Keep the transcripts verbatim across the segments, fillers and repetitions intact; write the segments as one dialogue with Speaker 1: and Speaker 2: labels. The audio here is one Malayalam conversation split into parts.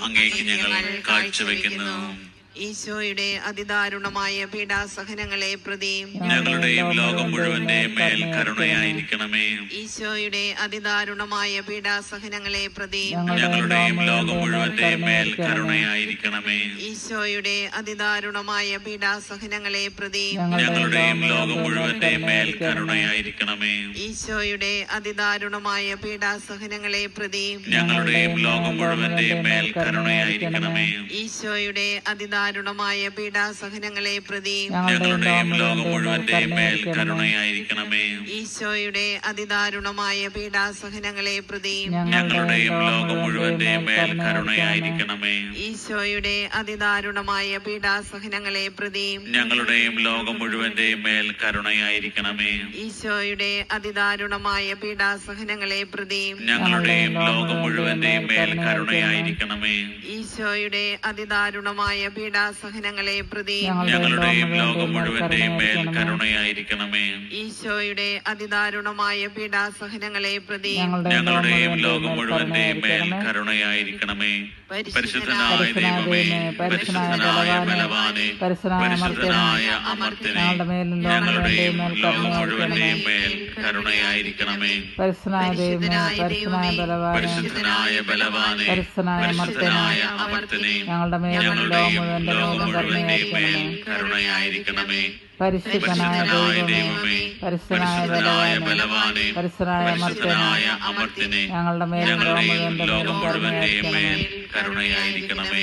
Speaker 1: അങ്ങേക്ക് ഞങ്ങൾ കാഴ്ചവെക്കുന്നു.
Speaker 2: ഈശോയുടെ അതിദാരുണമായ പീഡാസഹനങ്ങളെ പ്രതി
Speaker 1: ഞങ്ങളുടെയും ലോകം മുഴുവന്റെയും മേൽ കരുണയായിരിക്കണമേ.
Speaker 2: ഈശോയുടെ അതിദാരുണമായ പീഡാസഹനങ്ങളെ പ്രതി
Speaker 1: ഞങ്ങളുടെയും ലോകം മുഴുവന്റെയും മേൽ കരുണയായിരിക്കണമേ.
Speaker 2: ഈശോയുടെ അതിദാരുണമായ പീഡാസഹനങ്ങളെ പ്രതി
Speaker 1: ഞങ്ങളുടെയും ലോകം മുഴുവന്റെയും മേൽ കരുണയായിരിക്കണമേ.
Speaker 2: ഈശോയുടെ അതിദാരുണമായ പീഡാസഹനങ്ങളെ പ്രതി
Speaker 1: ഞങ്ങളുടെയും ലോകം മുഴുവന്റെയും മേൽ കരുണയായിരിക്കണമേ.
Speaker 2: ഈശോയുടെ അതിദാരുണമായ പീഡാസഹനങ്ങളെ പ്രതി
Speaker 1: ഞങ്ങളുടെയും ലോകം മുഴുവന്റെയും മേൽ കരുണയായിരിക്കണമേ.
Speaker 2: ഈശോയുടെ അതിദാരുണമായ പീഡാസഹനങ്ങളെ പ്രതി
Speaker 1: ഞങ്ങളുടെയും ലോകം മുഴുവന്റെയും മേൽ കരുണയായിരിക്കണമേ.
Speaker 2: ഈശോയുടെ അതിദാരുണമായ പീഡാസഹനങ്ങളെ പ്രതി
Speaker 1: ഞങ്ങളുടെയും ലോകം മുഴുവന്റെയും മേൽ കരുണയായിരിക്കണമേ.
Speaker 2: ഈശോയുടെ അതിദാരുണമായ പീഡാസഹനങ്ങളെ പ്രതി
Speaker 1: ഞങ്ങളുടെയും ലോകം മുഴുവന്റെയും മേൽ കരുണയായിരിക്കണമേ.
Speaker 2: ഈശോയുടെ അതിദാരുണമായ പീഡാസഹനങ്ങളെ പ്രതി
Speaker 1: ഞങ്ങളുടെയും ലോകം മുഴുവന്റെയും മേൽ കരുണയായിരിക്കണമേ.
Speaker 2: ഈശോയുടെ അതിദാരുണമായ പീഡാസഹനങ്ങളെ പ്രതി
Speaker 1: ഞങ്ങളുടെയും ലോകം മുഴുവന്റെയും മേൽ കരുണയായിരിക്കണമേ. പരിശുദ്ധനായ ദൈവമേ, പരിശുദ്ധനായ ബലവാനേ, പരിശുദ്ധനായ അമർത്യനേ, ഞങ്ങളുടെയും ലോകം മുഴുവന്റെയും മേൽ കരുണയായിരിക്കണമേ.
Speaker 3: പരിശുദ്ധനായ ദൈവമേ, പരിശുദ്ധനായ ബലവാനേ,
Speaker 1: പരിശുദ്ധനായ ബലവാനേ, പരിശുദ്ധനായ അമർത്യനേ,
Speaker 3: ഞങ്ങളുടെയും
Speaker 1: ലോകം മുഴുവന്റെയും മേൽ കരുണയായിരിക്കണമേ.
Speaker 3: പരിശുദ്ധനായ ദൈവമേ, പരിശുദ്ധനായ ബലവാനേ, പരിശുദ്ധനായ
Speaker 1: അമർത്യനേ,
Speaker 3: ഞങ്ങളുടെ മേലും
Speaker 1: ലോകം മുഴുവന്റെയും മേൽ കരുണയായിരിക്കണമേ.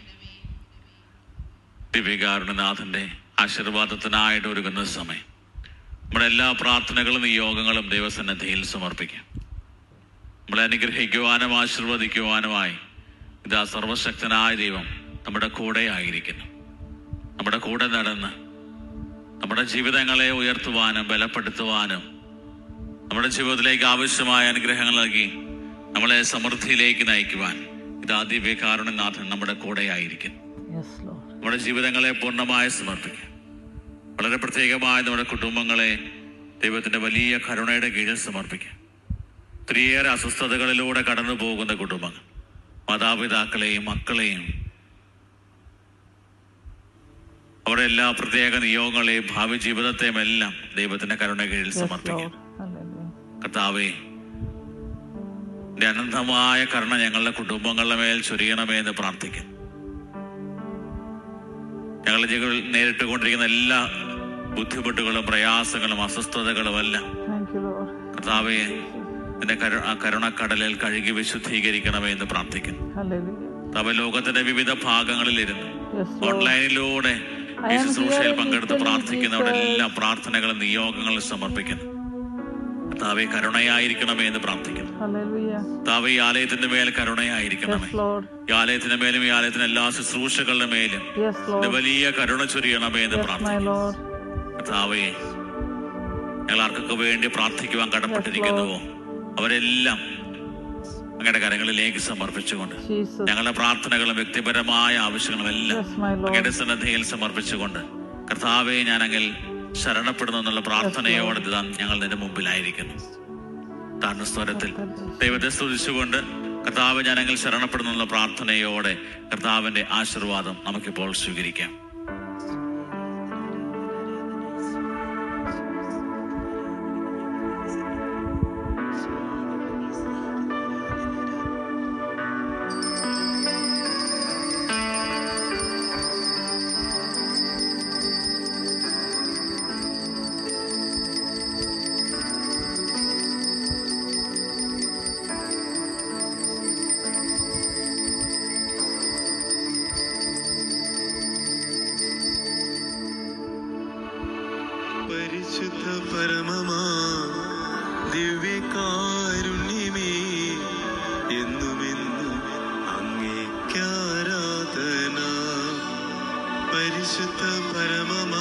Speaker 1: ദിവ്യകാരുണ്യനാഥന്റെ ആശീർവാദത്തിനായിട്ട് ഒരുങ്ങുന്ന സമയം നമ്മുടെ എല്ലാ പ്രാർത്ഥനകളും നിയോഗങ്ങളും ദൈവസന്നിധിയിൽ സമർപ്പിക്കാം. നമ്മളെ അനുഗ്രഹിക്കുവാനും ആശീർവദിക്കുവാനുമായി ഇതാ സർവശക്തനായ ദൈവം നമ്മുടെ കൂടെ ആയിരിക്കുന്നു. നമ്മുടെ കൂടെ നടന്ന് നമ്മുടെ ജീവിതങ്ങളെ ഉയർത്തുവാനും ബലപ്പെടുത്തുവാനും നമ്മുടെ ജീവിതത്തിലേക്ക് ആവശ്യമായ അനുഗ്രഹങ്ങൾ നൽകി നമ്മളെ സമൃദ്ധിയിലേക്ക് നയിക്കുവാൻ ഇതാ ദിവ്യകാരുണ്യനാഥൻ നമ്മുടെ കൂടെ ആയിരിക്കുന്നു. നമ്മുടെ ജീവിതങ്ങളെ പൂർണ്ണമായി സമർപ്പിക്കാം. വളരെ പ്രത്യേകമായ നമ്മുടെ കുടുംബങ്ങളെ ദൈവത്തിന്റെ വലിയ കരുണയുടെ കീഴിൽ സമർപ്പിക്കാം. ഒത്തിരിയേറെ അസ്വസ്ഥതകളിലൂടെ കടന്നു പോകുന്ന കുടുംബങ്ങൾ, മാതാപിതാക്കളെയും മക്കളെയും അവരുടെ എല്ലാ പ്രത്യേക നിയോഗങ്ങളെയും ഭാവി ജീവിതത്തെയും എല്ലാം ദൈവത്തിന്റെ കരുണ കീഴിൽ സമർപ്പിക്കാം. കർത്താവേ, അനന്തമായ കരുണ ഞങ്ങളുടെ കുടുംബങ്ങളുടെ മേൽ ചൊരിയണമേ എന്ന് പ്രാർത്ഥിക്കുന്നു. ഞങ്ങളുടെ ജീവിതത്തിൽ നേരിട്ടുകൊണ്ടിരിക്കുന്ന എല്ലാ ബുദ്ധിമുട്ടുകളും പ്രയാസങ്ങളും അസ്വസ്ഥതകളും എല്ലാം കർത്താവേ നിന്റെ കരു ആ കരുണക്കടലിൽ കഴുകി വിശുദ്ധീകരിക്കണമേ എന്ന് പ്രാർത്ഥിക്കുന്നു. കർത്താവേ, ലോകത്തിന്റെ വിവിധ ഭാഗങ്ങളിലിരുന്ന് ഓൺലൈനിലൂടെ ഈ ശുശ്രൂഷയിൽ പങ്കെടുത്ത് പ്രാർത്ഥിക്കുന്നവരുടെ എല്ലാ പ്രാർത്ഥനകളും നിയോഗങ്ങളും സമർപ്പിക്കുന്നു. കർത്താവേ, കരുണയായിരിക്കണമേ എന്ന് പ്രാർത്ഥിക്കുന്നു. കർത്താവേ, ഈ ആലയത്തിന്റെ മേൽ കരുണയായിരിക്കണമേ. ഈ ആലയത്തിന്റെ മേലും ഈ ആലയത്തിന്റെ എല്ലാ ശുശ്രൂഷകളുടെ മേലും വലിയ കരുണ ചൊരിയണമേ എന്ന് പ്രാർത്ഥിക്കുന്നു. കർത്താവേ, ഞങ്ങൾ ആർക്കൊക്കെ വേണ്ടി പ്രാർത്ഥിക്കുവാൻ കടപ്പെട്ടിരിക്കുന്നുവോ അവരെല്ലാം അങ്ങയുടെ കരങ്ങളിലേക്ക് സമർപ്പിച്ചുകൊണ്ട് ഞങ്ങളുടെ പ്രാർത്ഥനകളും വ്യക്തിപരമായ ആവശ്യങ്ങളും എല്ലാം അങ്ങയുടെ സന്നദ്ധയിൽ സമർപ്പിച്ചുകൊണ്ട് കർത്താവെ ഞാൻ അങ്ങിൽ ശരണപ്പെടുന്നു എന്നുള്ള പ്രാർത്ഥനയോടെ ഞങ്ങൾ നിന്റെ മുമ്പിലായിരിക്കുന്നു. താഴ്ന്ന സ്വരത്തിൽ ദൈവത്തെ സ്തുതിച്ചുകൊണ്ട് കർത്താവ് ഞാൻ അങ്ങിൽ ശരണപ്പെടുന്നു എന്നുള്ള പ്രാർത്ഥനയോടെ കർത്താവിന്റെ ആശീർവാദം നമുക്കിപ്പോൾ സ്വീകരിക്കാം.
Speaker 4: പരിശുദ്ധ പരമമാ ദിവ്യകാരുണ്യമേ, എന്നുമെന്നും അങ്ങേക്കാരാധന. പരിശുദ്ധ പരമമാ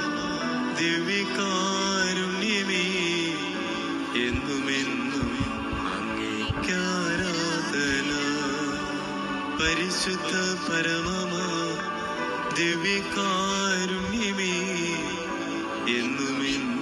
Speaker 4: ദിവ്യകാരുണ്യമേ, എന്നുമെന്നും അങ്ങേക്കാരാധന. പരിശുദ്ധ പരമമാ ദിവ്യകാരുണ്യമേ, എന്നുമെന്നും